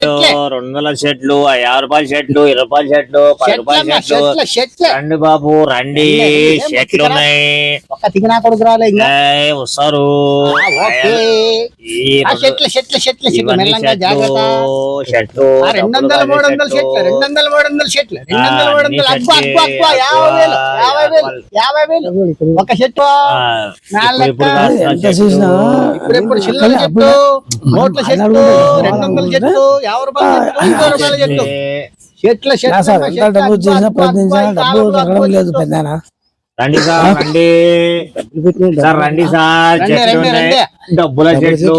200 చెట్లు 50 రూపాయల చెట్లు 20 రూపాయల చెట్లు 10 రూపాయల చెట్లు రండి బాబు రండి చెట్లు ఉన్నాయి ఒక తిగినా కొడుకు రాలే వస్తారు మెల్లంగా జాగ్రత్త చెట్లు 200 300 చెట్లు 200 300 చెట్లు 200 50,000 ఒక చెట్టు ఇప్పుడు చిల్లర చెట్టు నోట్ల చెట్టు 200 చెట్టు 50 రూపాయల చెట్టు చెట్ల రండి సార్ రండి సార్ రండి సార్ డబ్బుల చెట్లు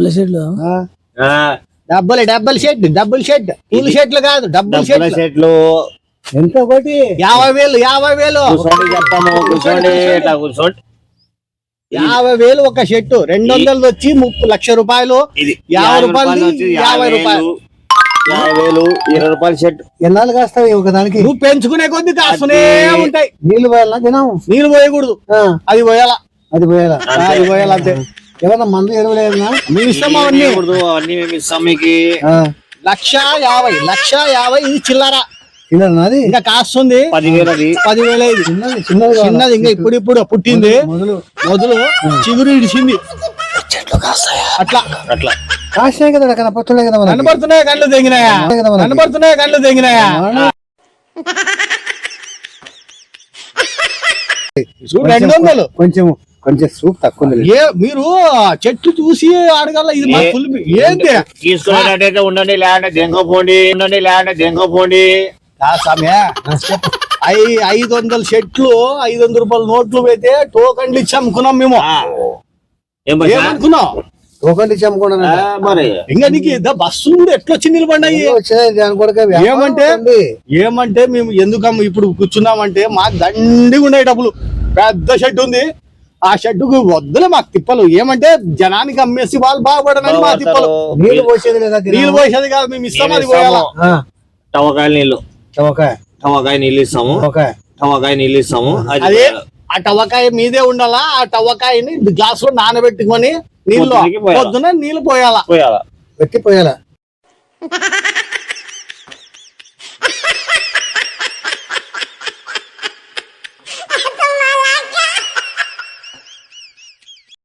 డబ్బుల షెడ్ పూల షెడ్లు కాదు డబ్బుల చెట్లు ఎంత ఒకటి 50,000 చెప్పాము కూర్చోండి కూర్చోండి 50,000 ఒక షెట్టు 200 వచ్చి 30 లక్ష రూపాయలు 50 రూపాయలు 50 రూపాయలు 50,000 20 రూపాయల షెట్ ఎన్నాళ్ళు కాస్తావు ఒకదానికి నువ్వు పెంచుకునే కొద్ది కాస్తూనే ఉంటాయి నీళ్లు పోయాలా తినాం నీళ్లు పోయకూడదు అది పోయాలా అంతే ఏమన్నా మందు ఎరువులేదన్నా మీ ఇష్టం అవన్నీ అవన్నీ మేము ఇస్తాం మీకు 1,50,000 ఇది చిల్లరా ఇంకా కాస్తుంది 10,000 చిన్నది ఇంకా ఇప్పుడు పుట్టింది మొదలు చిగురు ఇడిచింది అట్లా కాస్తాయి కదా కనపడుతున్నాయి కదా కనపడుతున్నాయి కళ్ళు తెంగినాయా చూడు 200 కొంచెం సూప్ తక్కువ మీరు చెట్టు చూసి అడగల ఇది ఏంటి తీసుకున్నట్టయితే ఉండండి లేదంటే దెంగపోండి సమయ 500 చెట్లు 500 రూపాయల నోట్లు పెడితే టోకన్లు ఇచ్చి అమ్ముకున్నాం మేము ఏమనుకున్నాం టోకన్లు ఇచ్చి అమ్ముకున్నాం ఇంకా నీకు బస్సు ఎట్లా వచ్చి నిలబడినాయి ఏమంటే మేము ఎందుకమ్మ ఇప్పుడు కూర్చున్నామంటే మాకు దండిగా ఉన్నాయి డబ్బులు పెద్ద షెడ్ ఉంది ఆ షెడ్డుకు వద్దులే మాకు తిప్పలు ఏమంటే జనానికి అమ్మేసి వాళ్ళు బాగుపడనని మా తిప్పలు నీళ్ళు పోసేది కాదు మేము ఇస్తాం అది పోయాలా టవకాయ నీళ్ళు ఇస్తాము అదే ఆ టవకాయ మీదే ఉండాలా ఆ టవకాయని గ్లాస్ లో నానబెట్టుకొని నీళ్ళు పొద్దున నీళ్ళు పోయాలా పెట్టి పోయాలా